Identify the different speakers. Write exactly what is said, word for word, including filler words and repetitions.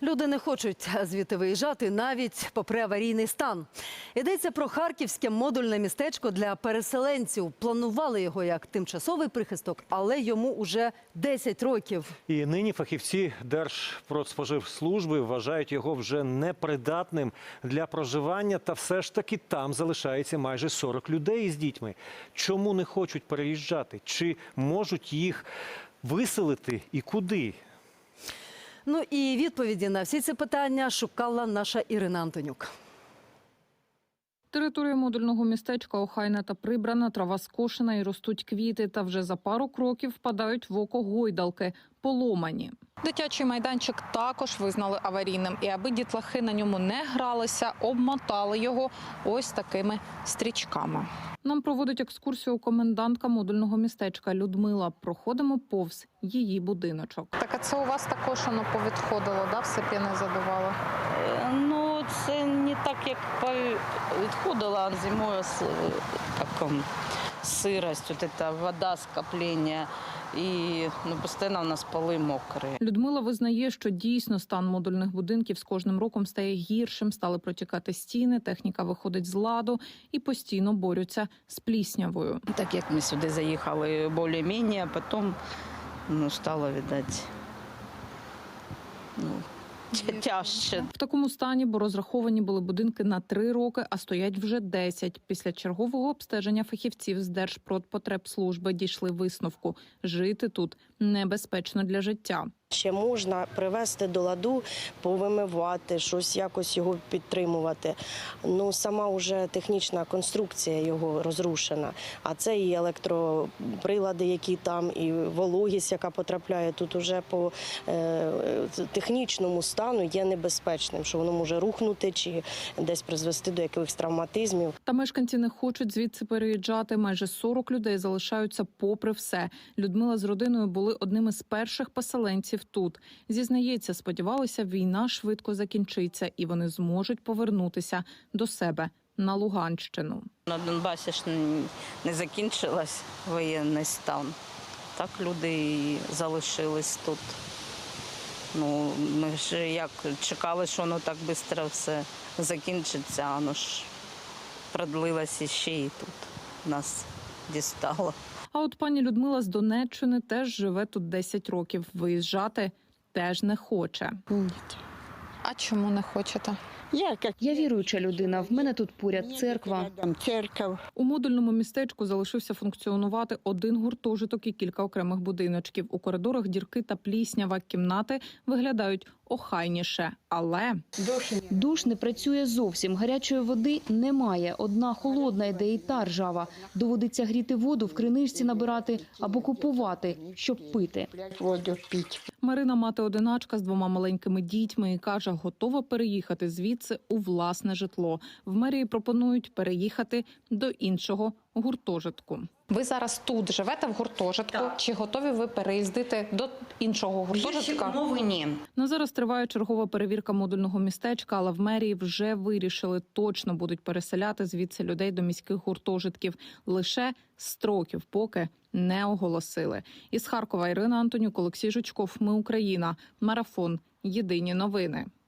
Speaker 1: Люди не хочуть звідти виїжджати навіть попри аварійний стан. Йдеться про харківське модульне містечко для переселенців. Планували його як тимчасовий прихисток, але йому уже десять років.
Speaker 2: І нині фахівці Держпродспоживслужби вважають його вже непридатним для проживання. Та все ж таки там залишається майже сорок людей із дітьми. Чому не хочуть переїжджати? Чи можуть їх виселити і куди?
Speaker 1: Ну і відповіді на всі ці питання шукала наша Ірина Антонюк.
Speaker 3: Територія модульного містечка охайна та прибрана, трава скошена і ростуть квіти. Та вже за пару кроків впадають в око гойдалки, поломані. Дитячий майданчик також визнали аварійним. І аби дітлахи на ньому не гралися, обмотали його ось такими стрічками. Нам проводить екскурсію комендантка модульного містечка Людмила. Проходимо повз її будиночок. Так, а це у вас також воно повідходило, да? Все п'яне задувало?
Speaker 4: Ну, це не так, як відходило, а зимою як, сирость, вот эта вода, скоплення. І ну, постійно у нас поли мокрі.
Speaker 3: Людмила визнає, що дійсно стан модульних будинків з кожним роком стає гіршим, стали протікати стіни, техніка виходить з ладу і постійно борються з пліснявою.
Speaker 4: Так як ми сюди заїхали більш-менш, а потім ну, стало, видать, ну, тяжче.
Speaker 3: В такому стані, бо розраховані були будинки на три роки, а стоять вже десять. Після чергового обстеження фахівців з Держпродпотребслужби дійшли висновку – жити тут небезпечно для життя.
Speaker 5: Ще можна привести до ладу, повимивати, щось якось його підтримувати. Ну, сама вже технічна конструкція його розрушена. А це і електроприлади, які там, і вологість, яка потрапляє тут уже по е, технічному стану є небезпечним, що воно може рухнути чи десь призвести до якихось травматизмів.
Speaker 3: Та мешканці не хочуть звідси переїжджати. Майже сорок людей залишаються попри все. Людмила з родиною були одними з перших поселенців тут. Зізнається, сподівалися, війна швидко закінчиться і вони зможуть повернутися до себе на Луганщину.
Speaker 4: На Донбасі ж не закінчилась воєнний стан. Так люди і залишились тут. Ну, ми ж як чекали, що воно так швидко все закінчиться, а воно ж продлилося ще і тут нас дістало.
Speaker 3: А от пані Людмила з Донеччини теж живе тут десять років. Виїжджати теж не хоче.
Speaker 6: Ні.
Speaker 3: А чому не хочете?
Speaker 6: Я, як...
Speaker 7: Я віруюча людина, в мене тут поряд церква.
Speaker 6: Церква.
Speaker 3: У модульному містечку залишився функціонувати один гуртожиток і кілька окремих будиночків. У коридорах дірки та пліснява, кімнати виглядають охайніше, але...
Speaker 7: Душ не працює зовсім, гарячої води немає. Одна холодна йде і та ржава. Доводиться гріти воду, в криничці набирати або купувати, щоб пити.
Speaker 6: Воду пити.
Speaker 3: Марина – мати-одиначка з двома маленькими дітьми і каже, готова переїхати звідси у власне житло. В мерії пропонують переїхати до іншого гуртожитку. Ви зараз тут живете в гуртожитку?
Speaker 8: Так.
Speaker 3: Чи готові ви переїздити до іншого гуртожитка?
Speaker 8: Мови ні.
Speaker 3: На зараз триває чергова перевірка модульного містечка, але в мерії вже вирішили, точно будуть переселяти звідси людей до міських гуртожитків. Лише строків поки не оголосили. Із Харкова Ірина Антонюк, Олексій Жучков. Ми Україна. Марафон. Єдині новини.